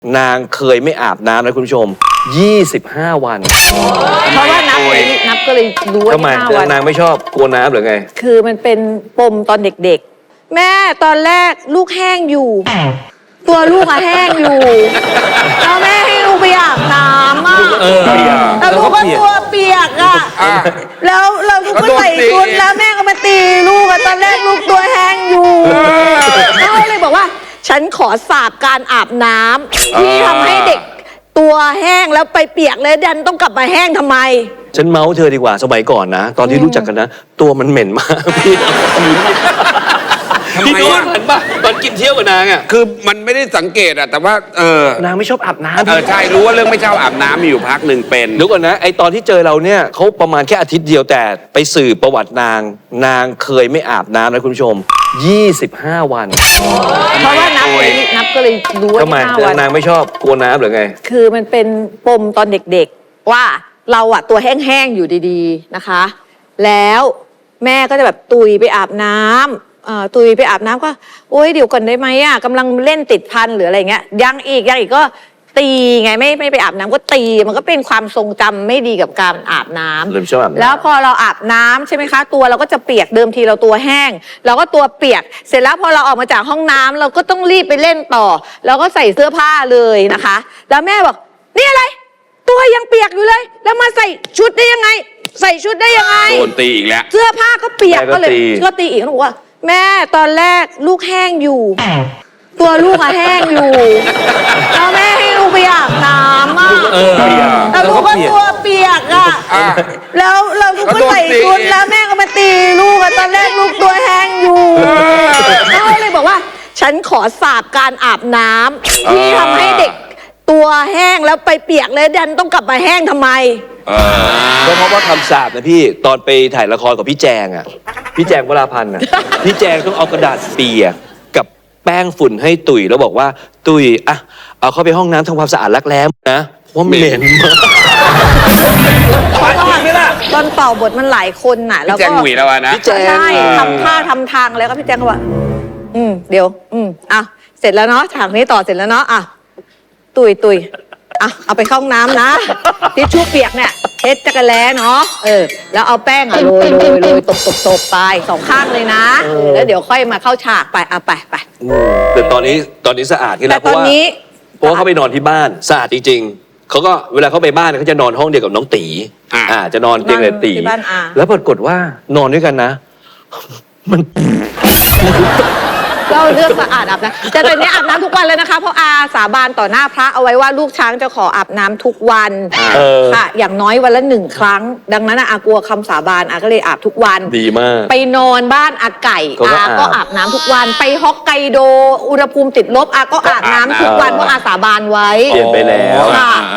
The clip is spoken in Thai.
นางเคยไม่อาบน้ำนะคุณผู้ชม25 วันเพราะว่านับก็เลยรู้ว่าทำไม 25 วันนางไม่ชอบกลัวน้ำหรือไงคือมันเป็นปมตอนเด็กๆ แม่ตอนแรกลูกแห้งอยู่ ตัวลูกอะแห้งอยู่แล้วแม่ให้ลูกไปอาบน้ำอะแล้วลูกก็ตัวเปียกอะแล้วเราลูกก็ใส่ชุดแล้วแม่ก็มาตีลูกอะตอนแรกลูกตัวแห้งอยู่เขาเลยบอกว่า ฉันขอสาบการอาบน้ำที่ทำให้เด็กตัวแห้งแล้วไปเปียกเลยดันต้องกลับมาแห้งทำไมฉันเมาส์เธอดีกว่าสมัยก่อนนะตอนที่รู้จักกันนะตัวมันเหม็นมากพี่พี่โน้ตเห็นป่ะตอนกินเที่ยวกับนางอ่ะคือมันไม่ได้สังเกตอะแต่ว่านางไม่ชอบอาบน้ำใช่รู้ว่าเรื่องไม่ชอบอาบน้ำมีอยู่พักหนึ่งเป็นเดี๋ยวก่อนนะไอตอนที่เจอเราเนี่ยเขาประมาณแค่อาทิตย์เดียวแต่ไปสืบประวัตินางเคยไม่อาบน้ำนะคุณผู้ชม25 วันเพราะว่านับก็เลยรู้ว่าทำไม 25 วันนางไม่ชอบกลัวน้ำหรือไงคือมันเป็นปมตอนเด็กๆว่าเราอะตัวแห้งๆอยู่ดีๆนะคะ แล้วแม่ก็จะแบบตุยไปอาบน้ำตุยไปอาบน้ำก็โอ๊ยเดี๋ยวก่อนได้ไหมอะกำลังเล่นติดพันหรืออะไรเงี้ยยังอีกก็ตีไงไม่ไปอาบน้ำก็ตีมันก็เป็นความทรงจำไม่ดีกับการอาบน้ำเริ่มชอบอาบน้ำแล้วพอเราอาบน้ำใช่ไหมคะตัวเราก็จะเปียกเดิมทีเราตัวแห้งเราก็ตัวเปียกเสร็จแล้วพอเราออกมาจากห้องน้ำเราก็ต้องรีบไปเล่นต่อเราก็ใส่เสื้อผ้าเลยนะคะแล้วแม่บอกนี่อะไรตัวยังเปียกอยู่เลยแล้วมาใส่ชุดได้ยังไงใส่ชุดได้ยังไงโดนตีอีกแล้วเสื้อผ้าก็เปียกก็เลยก็ตีอีกแล้วบอกว่าแม่ตอนแรกลูกแห้งอยู่ตัวลูกอะแห้งอยู่แล้วแม่ให้ลูกไปอาบน้ำอะแล้วลูกก็ตัวเปียกอะแล้วเราลูกก็ใส่ชุดแล้วแม่ก็มาตีลูกอะตอนแรกลูกตัวแห้งอยู่เขาเลยบอกว่าฉันขอสาบการอาบน้ำที่ทำให้เด็กตัวแห้งแล้วไปเปียกเลยดันต้องกลับมาแห้งทำไมก็เพราะว่าคำสาปนะพี่ตอนไปถ่ายละครกับพี่แจงอ่ะพี่แจงวราพันธ์อ่ะพี่แจงต้องเอากระดาษเปียกกับแป้งฝุ่นให้ตุ๋ยแล้วบอกว่าตุ๋ยอ่ะเอาเข้าไปห้องน้ำทำความสะอาดรักแร้นะเพราะเหม็นมากตอนเป่าบทมันหลายคนน่ะแล้วก็พี่แจงหวีแล้วนะพี่แจงใช่ทำท่าทำทางแล้วก็พี่แจงก็ว่าเดี๋ยวเสร็จแล้วเนาะฉากนี้ต่อเสร็จแล้วเนาะตุยเอาไปเข้าห้องน้ำนะทิชชู่เปียกเนี่ยเช็ดจักรแล้เนาะแล้วเอาแป้งโรยตบไป2 ข้างเลยนะแล้วเดี๋ยวค่อยมาเข้าฉากไปไปแต่ตอนนี้สะอาดขึ้นแล้วเพราะว่าเขาไปนอนที่บ้านสะอาดจริงๆเขาก็เวลาเขาไปบ้านเขาจะนอนห้องเดียวกับน้องตีจะนอนเตียงกับตีแล้วปรากฏว่านอนด้วยกันนะมันเราเลือกสะอาดอาบน้ำแต่ตอนนี้อาบน้ำทุกวันเลยนะคะเพราะอาสาบานต่อหน้าพระเอาไว้ว่าลูกช้างจะขออาบน้ำทุกวันค่ะอย่างน้อยวันละ1 ครั้งดังนั้นอากลัวคำสาบานอาก็เลยอาบทุกวันดีมากไปนอนบ้านอาไก่อาก็อาบน้ำทุกวันไปฮอกไกโดอุณหภูมิติดลบอาก็อาบน้ำทุกวันเพราะอาสาบานไว้เปลี่ยนไปแล้ว